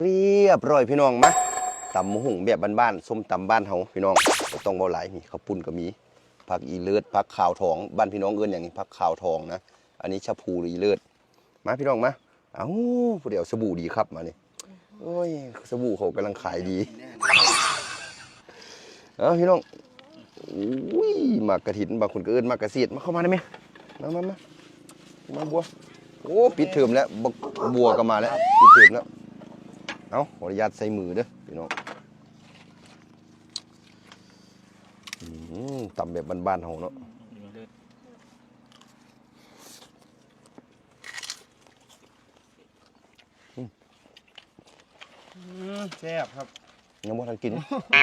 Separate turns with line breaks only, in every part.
เรียบร้อยพี่น้องมาตำมะหุ่งแบบบ้านๆส้มตำบ้านเฮาพี่น้องต้องเบาหลายมีข้าวปุ้นก็มีผักอีเลิศผักขาวทองบ้านพี่น้องเอิ้นอย่างนี้ผักขาวทองนะอันนี้ชะพูหรืออีเลิศมาพี่น้องมาเอ้าผู้เดียวสบู่ดีครับมานี่โอ้ยสบู่เขากำลังขายดีพี่น้องอุ้ยมากระถินบางคนก็เอิ้นมากระเสียดมาเข้ามาได้ไหมมาบัวโอ้ปิดเทอมแล้วบัวก็มาแล้วปิดเทอมแล้วเอาขออนุญาตใส่มือเด้อพี่น้องตำแบบบ้านๆเฮาเนาะ
แซ่บครับ
ยังบ่ทันกิน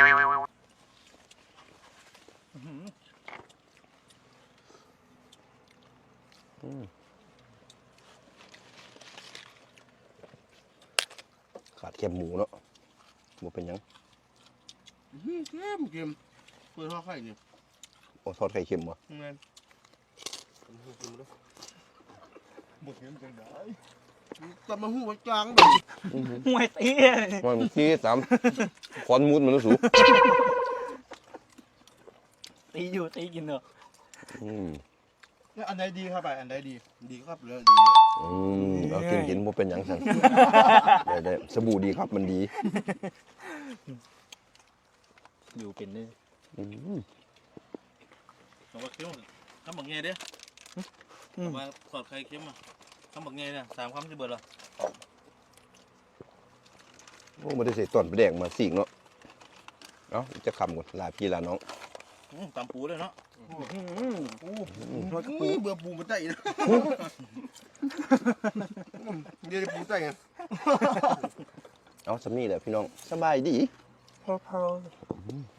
ขาดแคบหมูเนาะหมูเป็นยัง
เค็มเปิดทอดไข่เนี่ย
โอ้ทอดไข่เค็มวะ
เงินหมดเงินจังได้แต่มาหูไว้จางเลย
ห่วยตี
มันที่สามคอนมูดมันรู้สู
ตีอยู่ตีกินเนอะ
อันใดดีครับอันใดดีครับเลยดี
เรากินมันเป็นยังไงได้สบู่ดีครับมันดี
อยู่เป็นเลย
สำหรับเค็มข้าวหมักเงี้ยเด้มาสอดไข่เค็มอ่ะข้าวหมักเงี้ยเนี่ย3 คำจะเบิดหรอ
โอ้ไม่ได้ใส่ต้นไปแดงมาสีกเนาะเนาะจะคำก่อนลาพี่ลาน้อง
ตำปูเลยเนาะปูเบื่อปูมันใจนะเดี๋ยวปูใจไง
เอาสำนี่แหละพี่น้องสบายดี
พอ